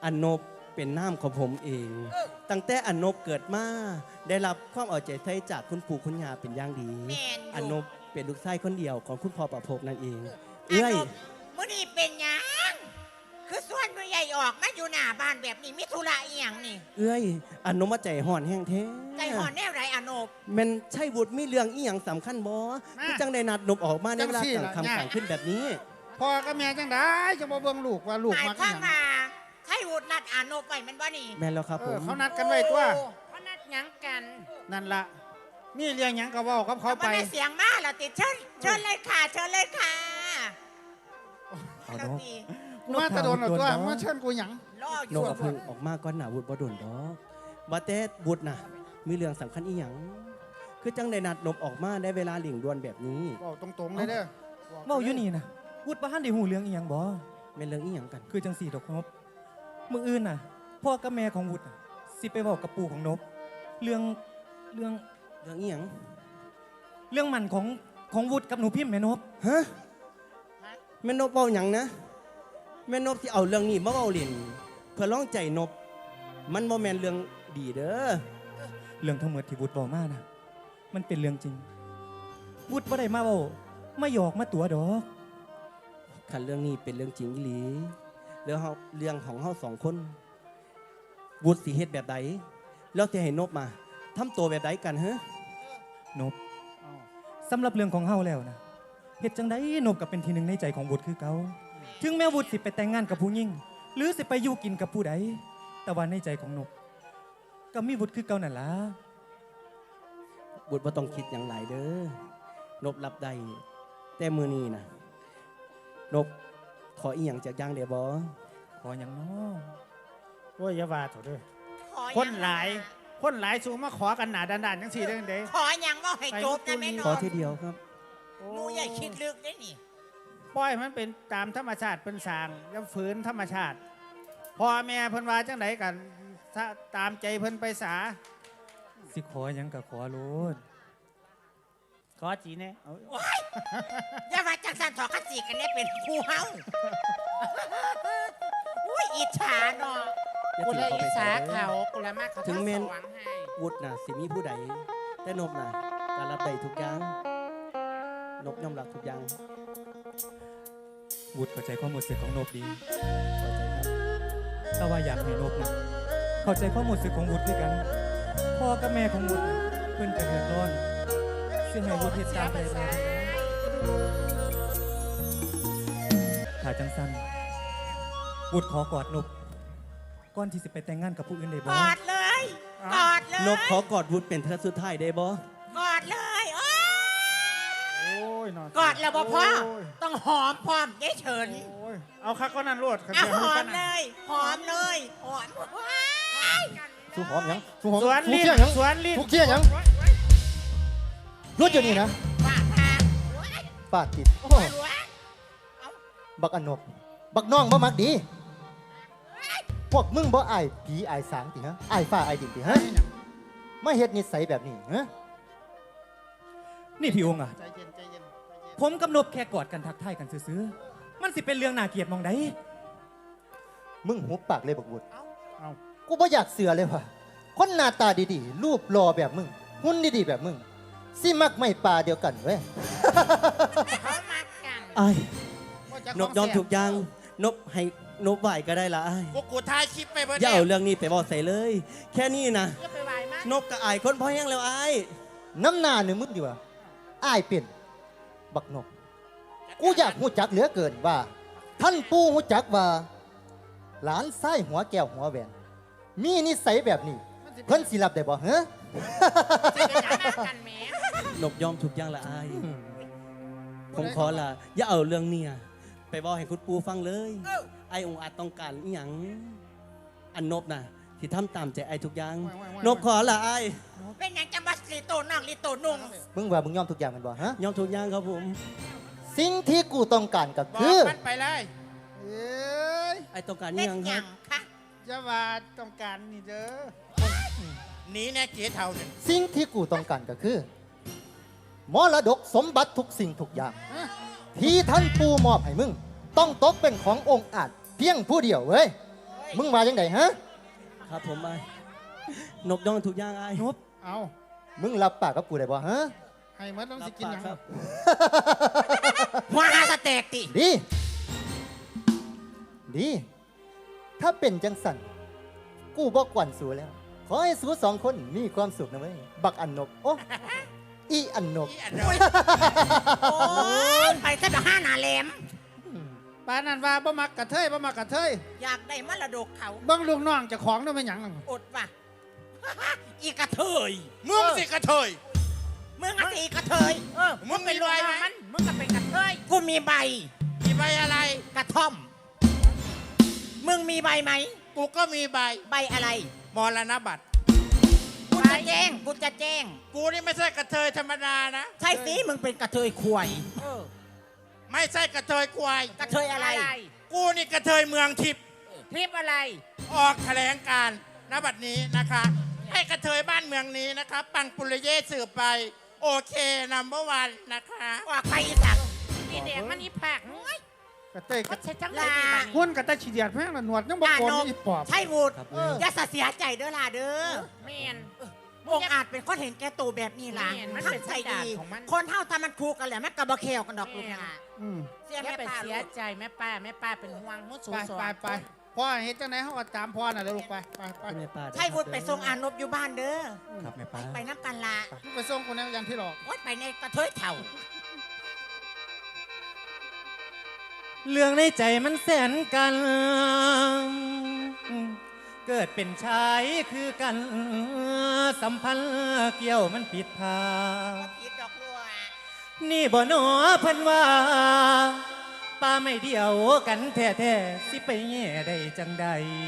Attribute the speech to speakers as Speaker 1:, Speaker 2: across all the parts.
Speaker 1: อันนบเป็นน้ำของผมเอง ตั้งแต่อันนบเกิดมาได้รับความเอาใจใส่จากคุณปู่คุณย่าเป็นอย่างดี อันนบเป็นลูกชายคนเดียวของคุณพ่อประภพนั่นเองเอ้ย
Speaker 2: มื้อนี้เป็นหยังคือส่วนผู้ใหญ่ออกมาอยู่หน้าบ้านแบบนี้มีธุระอีหยังนี่
Speaker 1: เอ้ยอันนบมาใจห่อนแห้งแท้
Speaker 2: ใจห่อนแนวไรอโนบ
Speaker 1: แมันใช่บุตรมีเรื่องอีหยังสำคัญบ่ที่จังได้นัดนบออกมาในเวลากลางค่ำกลางขึ้นแบบนี้
Speaker 3: พ่อกับแม่จังได้จะมาเบิ่งลูกว่าลูก
Speaker 2: มา
Speaker 3: อีหยัง
Speaker 2: ใช่วุฒินัดอโนบไปมันบ่นี่
Speaker 1: แม่นแล้วครับผม
Speaker 3: เขานัดกันไว้ตัว
Speaker 2: เขานัดหยังกัน
Speaker 3: นั่นล่ะมีเรื่องหยังก็เว้ากับเขาไป
Speaker 2: เสียงมาแล้วติดเชิญเลยค่ะเชิญเลยค่ะ
Speaker 1: เอาเนาะ
Speaker 3: กูมาตะโดนเอาตัวมาเชิญกูหยัง
Speaker 1: นกเอาพึ่งออกมาก่อนหนาวุฒิบ่โดนดอกว่าแต่วุฒิน่ะมีเรื่องสำคัญอีหยังคือจังได้นัดนบออกมาได้เวลาหลิงด่วนแบบนี้
Speaker 3: เว้าตรงๆเลยเด้อ
Speaker 4: เว้าอยู่นี่นะวุฒิบ่ทันได้ฮู้เรื่องอีหยังบ่
Speaker 1: แม่นเรื่องอีหยังกัน
Speaker 4: คือจังสี่ดอกนบมื้ออื่นน่ะพ่อกับแม่ของวุฒิสิไปเว้ากับปู่ของนบเรื่อง
Speaker 1: อีหยัง
Speaker 4: เรื่องมันของวุฒิกับหนูพิมพ์แม่นบ
Speaker 1: ฮะแม่นบเว้าหยังนะแม่นบที่เอาเรื่องนี้มาเว้าเล่นเพื่อร้องใจนบมันบ่แม่นเรื่องดีเด้อ
Speaker 4: เรื่องทั้งหมดที่วุฒิบอกมานะมันเป็นเรื่องจริงวุฒิบ่ได้มาเว้ามาหยอกมาตัวดอก
Speaker 1: คันเรื่องนี้เป็นเรื่องจริงอีหลีเรื่องของเฮาสองคนวุฒิสิเฮ็ดแบบใดแล้วสิให้นบมาทำตัวแบบใดกันฮะ
Speaker 4: นบสำหรับเรื่องของเฮาแล้วนะเฮ็ดจังได๋นบก็เป็นที่หนึ่งในใจของวุฒิคือเก่าถึงแม้วุฒิสิไปแต่งงานกับผู้หญิงหรือสิไปอยู่กินกับผู้ใดแต่ว่าในใจของนบก็มีวุฒิคือเก่านั่นล่ะ
Speaker 1: วุฒิบ่ต้องคิดอย่างไรเด้อนบรับได้แต่มื้อนี้นะนบขออีหยังจากย่างได้บ่
Speaker 4: ขอหยังน้อ
Speaker 3: โอ้ยอย่าว่าเถอะเด้อคนหลายสูงมาขอกันหนาด้านๆจังซี่เด้อเด้
Speaker 2: ขอหยังว่าให้จบนะแม่น
Speaker 1: ขอทีเดียวครับ
Speaker 2: หนูอย่าคิดลึกได้นี่
Speaker 3: ปล่อยมันเป็นตามธรรมชาติเป็นสร้างแล้วฝืนธรรมชาติพ่อแม่เพิ่นว่าจังไดกันตามใจเพิ่นไปสา
Speaker 4: สิขอหยังก็ขอโลด
Speaker 3: ขอจีแน่
Speaker 2: อย่าว่าจังสันถอดกระสีกันเนี่ยเป็นครูเฮาอุ้ยอิจฉาเนาะ
Speaker 1: กูเลยอิจฉา
Speaker 2: เขากูละมากเขาถึงเมน
Speaker 1: วุฒิน่ะสิมีผู้ใดแต่นบน่ะการรับได้ทุกอย่างนบยอมรับทุกอย่าง
Speaker 4: วุฒิเข้าใจความรู้สึกของนบดี
Speaker 1: เข้าใจครับ
Speaker 4: แต่ว่าอยากให้นบนะเข้าใจความรู้สึกของวุฒิด้วยกันพ่อกับแม่ของวุฒิเพิ่นจะเดือดร้อนซึ่งให้วุฒิเฮ็ดตามใจเราถ้าจังสั้นวุฒิขอกอดนบก่อนที่จะไปแต่งงานกับผู้อื่นได้บ่
Speaker 2: กอดเลยกอดเลย
Speaker 1: นบขอกอดวุฒิเป็นเทือกสุดท้ายได้บ่
Speaker 2: กอดเลยโอ้
Speaker 3: ย
Speaker 2: กอดแล้วบ่พ่อต้องหอมพร้อมยายเฉิน
Speaker 3: เอาคักก็นั่นรวด
Speaker 2: หอมเลยหอมเลยหอม
Speaker 5: สู้หอมยังสู้หอม
Speaker 3: สวนลิ้นสวนลิ้น
Speaker 5: ทุกเชี่ยยังรถอยู่นี่นะปาดติดบักอนบบักน้องบ่มักดีพวกมึงบ่อายผีอายสางติฮะอายฟ้าอายดินติฮะมาเฮ็ดนิสัยแบบนี้ฮะ
Speaker 4: นี่พี่องค์อ่ะผมกับนบแค่กอดกันทักทายกันซื่อๆมันสิเป็นเรื่องน่าเกลียดมองใด
Speaker 5: มึงหุบปากเลยบักบุญกูบ่อยากเสือเลยว่ะคนหน้าตาดีๆรูปหล่อแบบมึงหุ่นดีๆแบบมึงสิมักไม่ปลาเดียวกันเว้ย
Speaker 2: เขามักกัน
Speaker 1: ไอ้นบยอมถูกยังนบให้นบไหวก็ได้ละไอ้
Speaker 2: กูถ่ายคลิปไปเพื่อน
Speaker 1: อย่าเอาเรื่องนี้ไปบอกใส่เลยแค่นี้นะนบกับไอ้คนพ่อแห้งแล้วไอ้
Speaker 5: น้ำหน้าหนึ่งมึงดีกว่าไอ้เป็นบักนบกูอยากหูจักเหลือเกินว่าท่านปู่หูจักว่าหลานไส้หัวแก้วหัวแหวนมีนิสัยแบบนี้เพิ่นสิรับได้บ่ฮะ
Speaker 1: นบยอมถูกยังละไอ้ผมขอละอย่าเอาเรื่องนี้ไปบอกให้คุณปู่ฟังเลยไอ้องค์อาจต้องการอีหยังอันนบน่ะที่ทำตามใจไอ้ทุกอย่างนบขอละไอ้
Speaker 2: เป็นอย่างจะมาลิโตนั่งลิโตนุ่ง
Speaker 5: มึงว่ามึงยอมทุกอย่างมันบ่ฮะ
Speaker 1: ยอมทุกอย่างครับผม
Speaker 5: สิ่งที่กูต้องการก็คือ
Speaker 2: มันไปเลย
Speaker 1: ไอ้ต้องการอีหยังครับ
Speaker 3: จะว่าต้องการนี่เด้อ
Speaker 2: นี้แน่เกียร์เท่าเนี่ย
Speaker 5: สิ่งที่กูต้องการก็คือมรดกสมบัติทุกสิ่งทุกอย่างที่ท่านปู่มอบให้มึงต้องตกเป็นขององค์อาจเพียงผู้เดียวเว้ยมึงมาจังไดฮะ
Speaker 1: ครับผมไอ้นบย่องทุกอย่างไอ้
Speaker 4: นบ
Speaker 3: เอา
Speaker 5: มึงรับปากกับกูได้บ่ฮะ
Speaker 3: ให้หมดต้องสิกินหยัง
Speaker 1: ครับ
Speaker 2: หัวหาสเต็กติ
Speaker 5: ดี ดี ถ้าเป็นจังสัน กูบอกกวนสูแล้ว ขอให้สูสองคนมีความสุขนะเว้ย บักอันนบ โอ้ อีอันนบ
Speaker 2: โอ้ยไปซะแบบห้าหนาแหลม
Speaker 3: ปานนั้นว่าบ่มักกระเทยบ่มักกระเทย
Speaker 2: อยากได้มรดกเขา
Speaker 3: เบิ่งลูกน้องเจ้าของนั่นเป็นหยังนั่น
Speaker 2: อดว่ะ อีกระเทย
Speaker 6: มึงสิกระเทย
Speaker 2: มึงอะสิอีกระเทย
Speaker 6: มึงเป็นรวยไหม
Speaker 2: มึงก็เป็นกระเทยกูมีใบ
Speaker 6: มีใบอะไร
Speaker 2: กระท่อม มึงมีใบไหม
Speaker 6: กูก็มีใบ
Speaker 2: ใบอะไร
Speaker 6: มรณบัตร
Speaker 2: กูจะแจ้ง กูจะแจ้ง
Speaker 6: กูนี่ไม่ใช่กระเทยธรรมดานะ
Speaker 2: ใช่สิ มึงเป็นกระเทยควาย
Speaker 6: ไม่ใช่กระเทยควาย
Speaker 2: กระเทยอะไร
Speaker 6: กูนี่กระเทยเมืองทิพย์
Speaker 2: ทิปอะไร
Speaker 6: ออกแถลงการณบัดนี้นะคะ ให้กระเทยบ้านเมืองนี้นะคะ ปังปุริเยสืบไป โอเคนัมเบอร์วันนะคะ
Speaker 2: ออกไปอีสักอีแดงมันอีผัก
Speaker 3: กระเทยกระ
Speaker 2: ใช่จังลา
Speaker 3: หุ่นกระเทยฉีเดียดแม่งละหนวดยังบ่โกนอีปอบ
Speaker 2: ใช่วูด
Speaker 1: ครับ
Speaker 2: อย่าเสียใจเด้อล่ะเด้อ
Speaker 7: แมน
Speaker 2: องอาจเป็นคนเห็นแก่ตัวแบบนี้ล่ะ
Speaker 7: แม่นมัน
Speaker 2: ทั้
Speaker 7: เป็น
Speaker 2: งใจ
Speaker 7: สันดาน
Speaker 2: ดี
Speaker 7: ของมัน
Speaker 2: คนเท่าทำมันคูกันแหละมันกระบะเคลกันดอกลูก
Speaker 7: แม่
Speaker 2: นะ
Speaker 3: อืม
Speaker 2: เสีย
Speaker 7: อย่า
Speaker 2: แม่
Speaker 7: ไป
Speaker 2: ป้า
Speaker 7: เสียใจแม่ป้าเป็นห่วงมุสู
Speaker 3: ไป
Speaker 7: สอ
Speaker 3: ไป
Speaker 7: น
Speaker 3: ไปพ่อเฮ็ดจังไหนเฮาก็ตามพ่อน่ะเด้อลูกไปไปไป
Speaker 1: แม่ป้า
Speaker 2: ใช่วุฒิไปส่งอานบอยู่บ้านเด้อ
Speaker 4: ครับแม่ป้า
Speaker 2: ไปน้ำกันละ
Speaker 3: มึงไปส่งกูแนวยันที่หลอก
Speaker 2: วัดไปในกระเทยเถ่า
Speaker 4: เรื่องในใจมันแสนกัน เกิดเป็นชายคือกัน สัมพันธ์เกี่ยวมันผิดพา
Speaker 2: ก็ผิดดอกลัว
Speaker 4: นี่บ่หนอเพิ่นว่าป้าไม่เดียวกันแท้ๆสิไปแง่ได้จังใด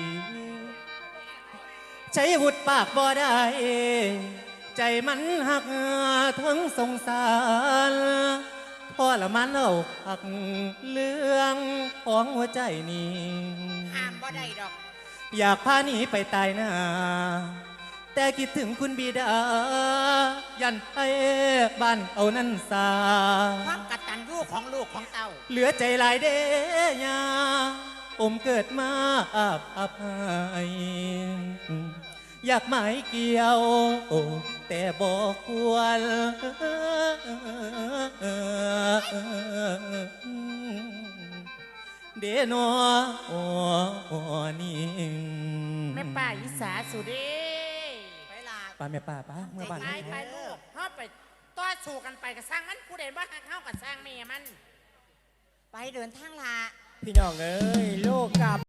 Speaker 4: ใช้วุดปากบ่ได้ ใจมันหักทั้งสงสารพอละมันเอาหักเรื่องของหัวใจนี้
Speaker 2: ห้ามบ่ได้ดอก
Speaker 4: อยากพาหนีไปตายหน้า แต่คิดถึงคุณบิดา ยันไปบ้านเอานั่นสา
Speaker 2: ความกตัญญูของลูกของเต่า
Speaker 4: เหลือใจหลายเดยาอมเกิดมาอาบอภัยอยากหมายเกี่ยว แต่บอกควรเดโนนี่
Speaker 7: แม่ป้าอีสาสุเด้
Speaker 2: ไปลา
Speaker 4: ป้าแม่ป้าป้าเมื่อบ้าน
Speaker 7: ไปไปลูกเฮาไปต่อสู้กันไปกับสร้างมันผู้ใดว่าหักเฮากับสร้างแม่มัน
Speaker 2: ไปเดินทางลา
Speaker 8: พี่น้องเอ้ยโลกกับ